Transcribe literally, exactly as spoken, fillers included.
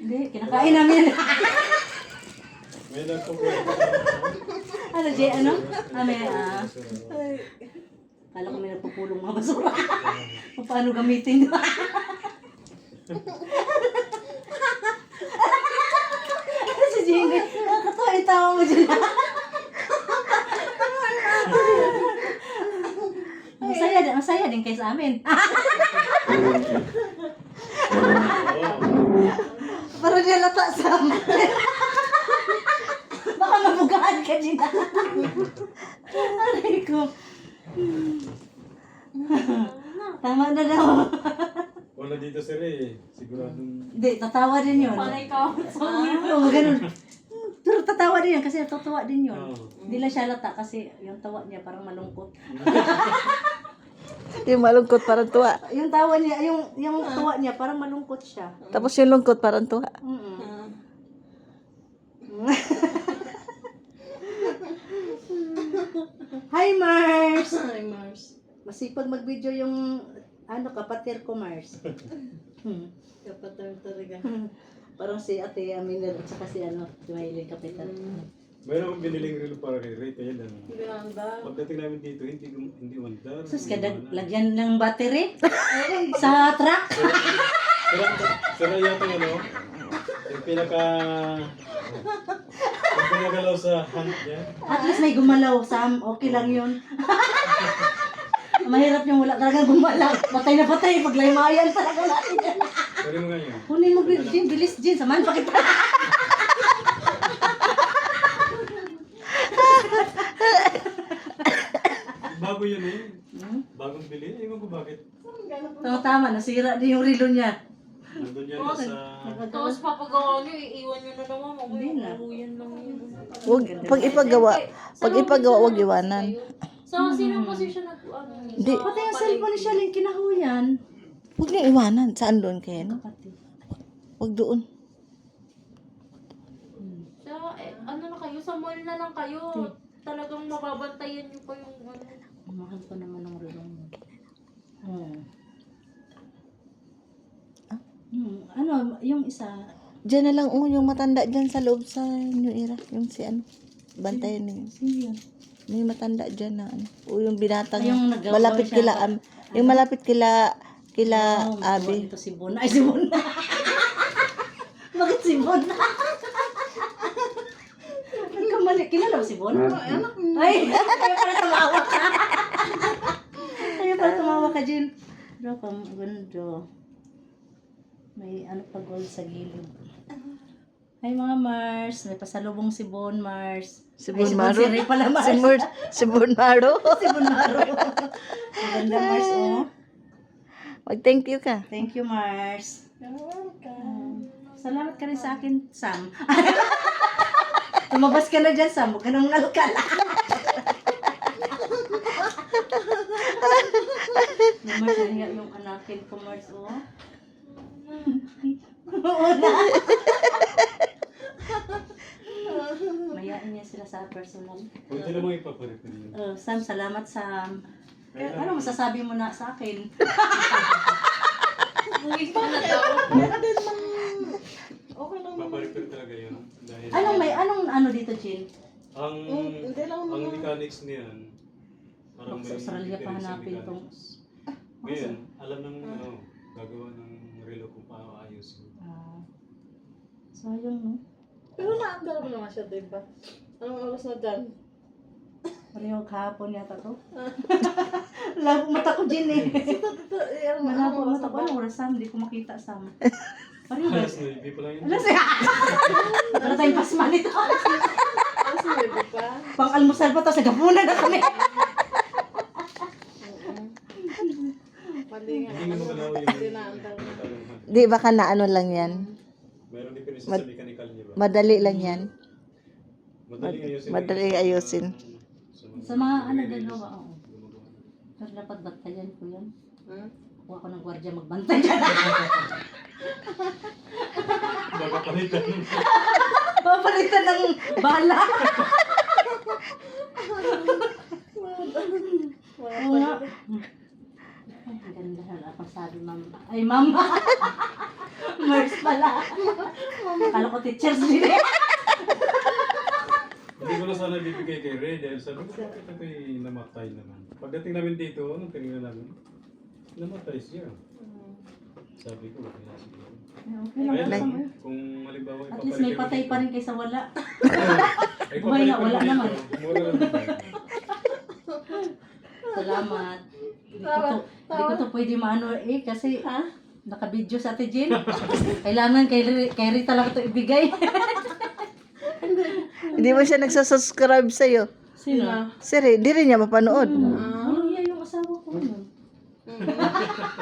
Hindi, kinakain namin. May nagpupulong. Ano, Jay, ano? Ah, may, ah. Kala ko may nagpupulong mga basura. Paano gamitin? Si Jay, nakakatawa yung tawa mo dyan. Masaya din, masaya din kayo sa amin. Parang nilata sa amin. Baka mabugaan ka din. Aray ko. Tama na daw. Wala dito si Ray. Siguradong... Hindi, tatawa din yun. Panay ka. Oo, ganun. Pero tatawa din yun kasi natutuwa din yun. Oo. Hindi lang siya lata kasi yung tawa niya parang malungkot. Yung malungkot parang tuwa. Yung tawa niya, yung yung tawa niya parang malungkot siya. Tapos yung lungkot parang tuwa. Mm. Hi Mars. Hi, Mars. Masipag mag-video yung ano kapatir ko Mars. Hmm. Kapatar talaga. Parang si Ate Amina at saka si ano, Jumaylin Kapitan. Mayroon akong biniling relo para kay Ray. Kaya lang. Ganda. Pagdating namin dito, hindi hindi mandar. Sus, kada lagyan ng battery sa truck. Sira, sira yata yung ano, yung pinaka, yung pinagalaw sa hand niya. At least may gumalaw, Sam. Okay lang yun. Mahirap yung wala talaga gumalaw. Patay na patay. Paglaymayan talaga natin yan. Pwede mo nga yun. Kunin mo, Jin. Bilis, Jin. Samahan pa kita. Bago yun eh. Bagong bili. Ewan ko bakit. Tama, tama. Nasira din yung relo niya. Nandun yan sa... Tapos papagawa nyo, iiwan nyo na naman. Hindi na. Maguyan lang yun. Wag, pag ipagawa, pag ipagawa, wag iwanan. Sa sinong posisyon na ano? Hindi. Pati yung cellphone ni Shalyn, kinahuyan. Huwag niya iwanan. Saan doon kayo? No? Pati. Huwag doon. Sa, eh, ano na kayo, sa mall na lang kayo. Talagang mababantayan nyo pa yung ano. Mahal ko naman ng relo mo. Hmm. Hmm. Ano, yung isa, Diyan na lang, oh, yung matanda dyan sa loob sa New Era. Yung si ano, bantayan niyo. sino yun? May matanda dyan na ano. O yung binatang, Ay, yung nagawa malapit siya kila, pa- am, yung malapit kila, kila Oh, Abi. Ito si Bon. Ay, si Bon. Bakit si Bon? Nagkamali. Kilala mo si Bon? Ay, kaya pala tumawa ka. Kaya pala tumawa ka, Jin. Pero kung ganda. May ano pa gold sa gilid. Ay, mga Mars. May pasalubong si Bon, Mars. Si Ay, Bon si Maro. Bon, si Ray pala, Mars. Si Bon, si Bon Maro. Si Bon Maro. Ang ganda, Mars, oh. Mag-thank you ka. Thank you, Mars. You're welcome. Salamat ka rin sa akin, Sam. Tumabas ka na dyan, Sam. Huwag ka nang nalkala. Mars, nahiya yung anakin ko, Mars, oh. Oo na. Mayain niya sila sa personal. Pwede namang ipapalit na yun. Uh, Sam, salamat, Sam. Eh, ano masasabi mo na sa akin? Uwi pa na daw. Okay lang. Papalit talaga yun. Dahil Anong may, anong ano dito, Jin? ang, ang mechanics niyan, parang Sa Australia pa difference sa hanapin tong... mechanics. Ngayon, alam ng ano, gagawa ng relo kung paano ayusin. Ah, sayang, no? Pero naandar mo naman siya, diba? Anong oras na dyan? Pareho kahapon yata to. Labo mata ko, Jin, eh. Malabo mata ko. Anong oras, Sam? Hindi ko makita, Sam. Pareho ba? Alas nine pa lang yun. Alas, eh. Wala tayong pasma nito. Alas na pa? Pang-almusal pa to, sa gapunan na kami. Mali nga. Hindi nga magalaw yung Hindi naandar mo. Di baka na ano lang yan. Mayroong difference Mad- sa mechanical niya ba? Madali lang yan. Madali ayusin. madali ayusin. Sa mga ano gagawa, oo. Pero dapat bantayan ko yan. Hmm? Kuha ko ng gwardiya magbantay. Baka palitan. Papalitan ng bala. Oo nga. Ay, ang ganda na lang sabi, ma'am. Ay, ma'am. Mars pala. Akala ko teachers din. Hindi ko na sana bibigay kay Ray dahil sabi ko, bakit ito'y namatay naman. Pagdating namin dito, ano tingnan namin? Namatay siya. Sabi ko, okay na siguro. Okay Kaya lang. lang, kung halimbawa At least may ipapalit patay ko pa dito- rin kaysa wala. Ay, Buhay na, ipapalit ko wala dito, naman. Mura lang naman. Salamat. Hindi ko to, hindi ko to pwede maano eh kasi naka-video sa Ate Jean. Kailangan kay, Ri- kay Rita lang ito ibigay. Hindi mo siya nagsasubscribe sa'yo. Sino? Sir, hindi rin niya mapanood. Walang iya yung asawa ko. Ano?